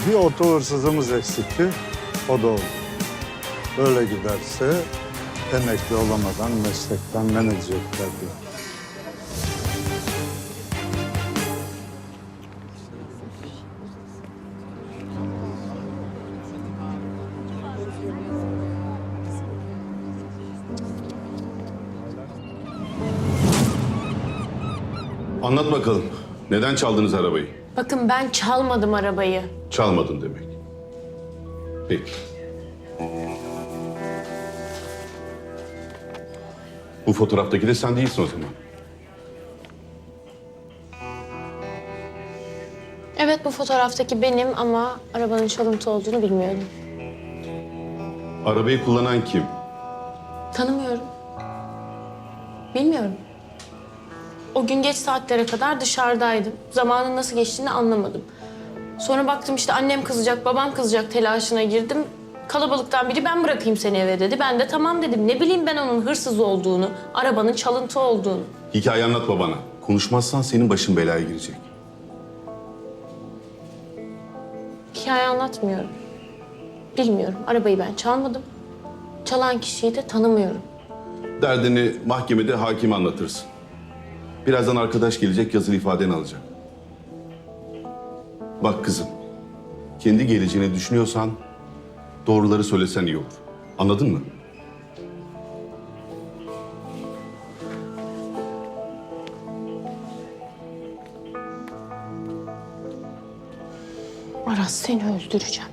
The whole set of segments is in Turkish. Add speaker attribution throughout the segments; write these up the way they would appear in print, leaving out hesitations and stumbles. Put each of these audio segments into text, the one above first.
Speaker 1: Bir oto hırsızımız eksikti. O da oldu. Böyle giderse emekli olamadan meslekten men edecekler diyor.
Speaker 2: Anlat bakalım. Neden çaldınız arabayı?
Speaker 3: Bakın ben çalmadım arabayı.
Speaker 2: Çalmadın demek. Peki. Bu fotoğraftaki de sen değilsin o zaman.
Speaker 3: Evet bu fotoğraftaki benim ama arabanın çalıntı olduğunu bilmiyordum.
Speaker 2: Arabayı kullanan kim?
Speaker 3: Tanımıyorum. Bilmiyorum. O gün geç saatlere kadar dışarıdaydım. Zamanın nasıl geçtiğini anlamadım. Sonra baktım işte annem kızacak, babam kızacak telaşına girdim. Kalabalıktan biri ben bırakayım seni eve dedi. Ben de tamam dedim. Ne bileyim ben onun hırsız olduğunu, arabanın çalıntı olduğunu.
Speaker 2: Hikaye anlatma bana. Konuşmazsan senin başın belaya girecek.
Speaker 3: Hikaye anlatmıyorum. Bilmiyorum. Arabayı ben çalmadım. Çalan kişiyi de tanımıyorum.
Speaker 2: Derdini mahkemede hakime anlatırsın. Birazdan arkadaş gelecek, yazılı ifadeni alacak. Bak kızım, kendi geleceğini düşünüyorsan doğruları söylesen iyi olur. Anladın mı?
Speaker 3: Aras seni öldüreceğim.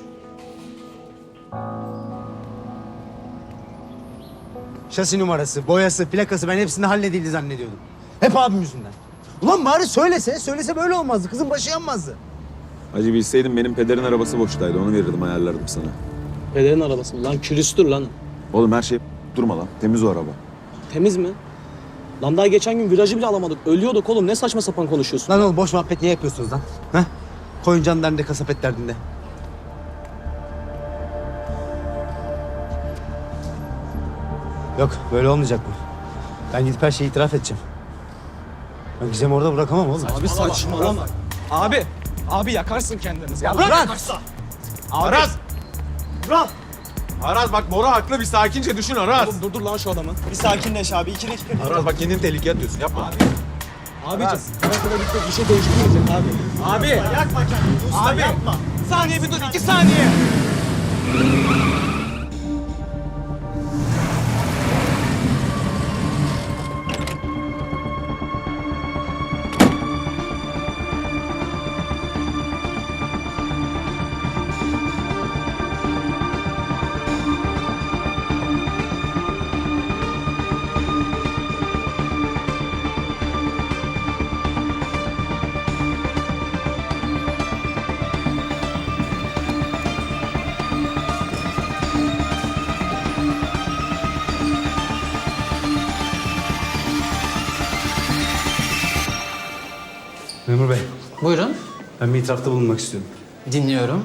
Speaker 4: Şasi numarası, boyası, plakası ben hepsini halledildi zannediyordum. Hep abim yüzünden. Ulan bari söylese böyle olmazdı. Kızın başı yanmazdı.
Speaker 5: Hacı bilseydim benim pederin arabası boştaydı. Onu verirdim, ayarlardım sana.
Speaker 6: Pederin arabası mı? Lan külüstür lan.
Speaker 5: Oğlum her şey durma lan. Temiz o araba.
Speaker 6: Temiz mi? Lan daha geçen gün virajı bile alamadık. Ölüyorduk oğlum. Ne saçma sapan konuşuyorsun?
Speaker 4: Lan oğlum boş muhabbet niye yapıyorsunuz lan? Ha? Koyun can derdinde, kasap et derdinde. Yok böyle olmayacak bu. Ben gidip her şeyi itiraf edeceğim. Ben Gizem'i orada bırakamam oğlum.
Speaker 6: Abi saçmalama.
Speaker 7: Abi yakarsın kendinizi. Ya
Speaker 4: Bırak!
Speaker 7: Aras! Aras bak Bora haklı, bir sakince düşün Aras.
Speaker 6: Oğlum durdur lan şu adamı. Bir sakinleş abi. 2 dakika.
Speaker 7: Aras bak kendini tehlikeye atıyorsun, yapma.
Speaker 6: Abicim. Karakana gitmek bir şey değiştirmeyecek abi. Abi.
Speaker 7: Yakma kendini usta,
Speaker 6: Abi.
Speaker 7: yapma.
Speaker 6: Saniye bir dur. 2 saniye.
Speaker 4: Memur Bey,
Speaker 8: Buyurun,
Speaker 4: ben bir itirafta bulunmak istiyorum.
Speaker 8: dinliyorum.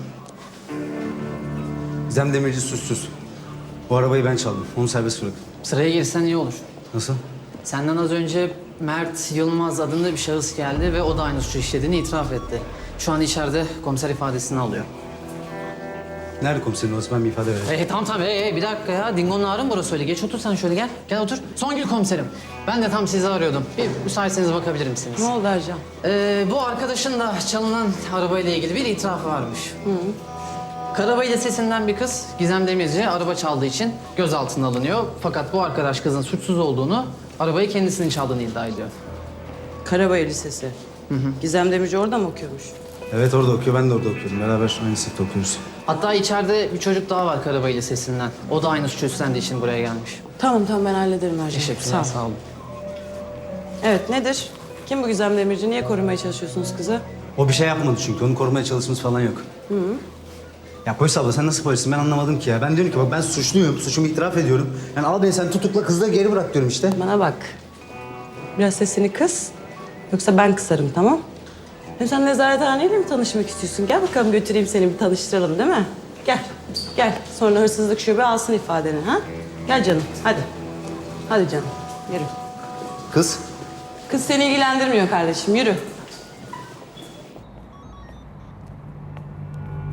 Speaker 4: Gizem Demirci suçsuz. Bu arabayı ben çaldım. Onu serbest bırakın.
Speaker 8: Sıraya girsen iyi olur.
Speaker 4: Nasıl?
Speaker 8: Senden az önce Mert Yılmaz adında bir şahıs geldi ve o da aynı suçu işlediğini itiraf etti. Şu an içeride komiser ifadesini alıyor.
Speaker 4: Nerede komiserin orası? Ben bir ifade vereyim.
Speaker 8: Tamam tabii. Bir dakika ya. Dingo'nun ağrı mı burası öyle? Geç otur sen şöyle gel. Gel otur. Songül komiserim. Ben de tam sizi arıyordum. Bir müsaitseniz bakabilir misiniz?
Speaker 9: Ne oldu Ercan?
Speaker 8: Bu arkadaşın da çalınan arabayla ilgili bir itirafı varmış. Karabayır Lisesi'nden bir kız Gizem Demirci araba çaldığı için gözaltına alınıyor. Fakat bu arkadaş kızın suçsuz olduğunu, arabayı kendisinin çaldığını iddia ediyor.
Speaker 9: Karabayır Lisesi. Gizem Demirci orada mı okuyormuş?
Speaker 4: Evet orada okuyor, ben de orada okuyorum. Beraber aynı sınıfta okuyoruz.
Speaker 8: Hatta içeride bir çocuk daha var Karabayır Lisesi'nden. O da aynı suçu üstlendiği için buraya gelmiş.
Speaker 9: Tamam ben hallederim Ercan.
Speaker 8: Teşekkürler,
Speaker 9: ol.
Speaker 8: sağ olun.
Speaker 9: Evet nedir? Kim bu Gizem Demirci? Niye korumaya çalışıyorsunuz kızı?
Speaker 4: O bir şey yapmadı çünkü. Onu korumaya çalışmamız falan yok. Ya polis abla sen nasıl polissin? Ben anlamadım ki ya. Ben diyorum ki bak ben suçluyum. Suçumu itiraf ediyorum. Yani al beni sen tutukla kızla geri bırak diyorum işte.
Speaker 9: Bana bak. Biraz sesini kıs. Yoksa ben kısarım tamam? Hem sen nezarethaneyle mi tanışmak istiyorsun? Gel bakalım götüreyim seni bir tanıştıralım değil mi? Gel. Gel. Sonra hırsızlık şube alsın ifadeni ha? Gel canım hadi. Hadi canım yürü.
Speaker 4: Kız.
Speaker 9: Kız seni ilgilendirmiyor kardeşim yürü.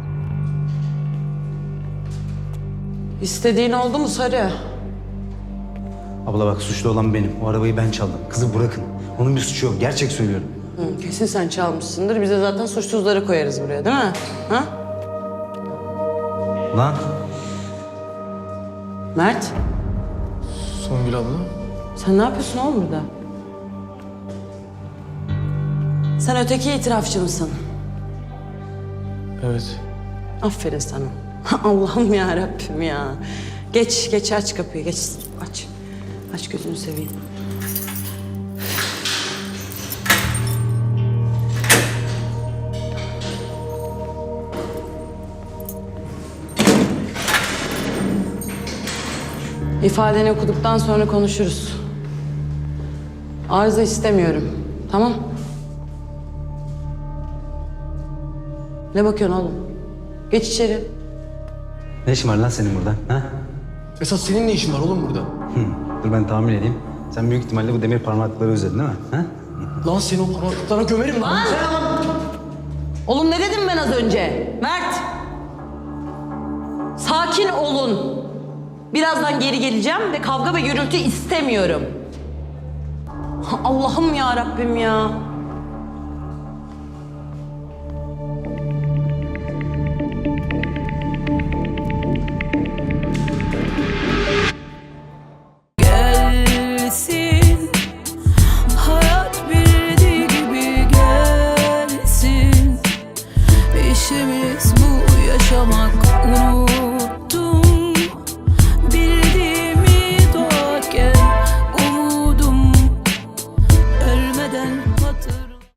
Speaker 9: İstediğin oldu mu Sarı?
Speaker 4: Abla bak suçlu olan benim. O arabayı ben çaldım. Kızı bırakın. Onun bir suçu yok. Gerçek söylüyorum.
Speaker 9: Hı, kesin sen çalmışsındır. Biz de zaten suçsuzları koyarız buraya değil mi? Ha?
Speaker 4: Lan
Speaker 9: Mert,
Speaker 7: Songül abla.
Speaker 9: sen ne yapıyorsun oğlum burada? Sen öteki itirafçı mısın?
Speaker 7: Evet.
Speaker 9: Aferin sana. Allah'ım ya Rabbim ya. Geç aç kapıyı geç. Aç. Aç gözünü seveyim. İfadeni okuduktan sonra konuşuruz. Arıza istemiyorum. Tamam? Ne bakıyorsun oğlum? Geç içeri.
Speaker 4: ne işin var lan senin burada? Ha?
Speaker 7: Esas senin ne işin var oğlum burada?
Speaker 4: Dur ben tahmin edeyim. Sen büyük ihtimalle bu demir parmaklıkları özledin değil mi? Ha?
Speaker 7: Lan seni o parmaklıklara gömerim lan.
Speaker 9: Oğlum ne dedim ben az önce? Mert! Sakin olun. Birazdan geri geleceğim ve kavga ve gürültü istemiyorum. Allah'ım ya Rabbim ya.
Speaker 10: Gelsin, hayat bildiği gibi gelsin. İşimiz bu yaşamak, unuttum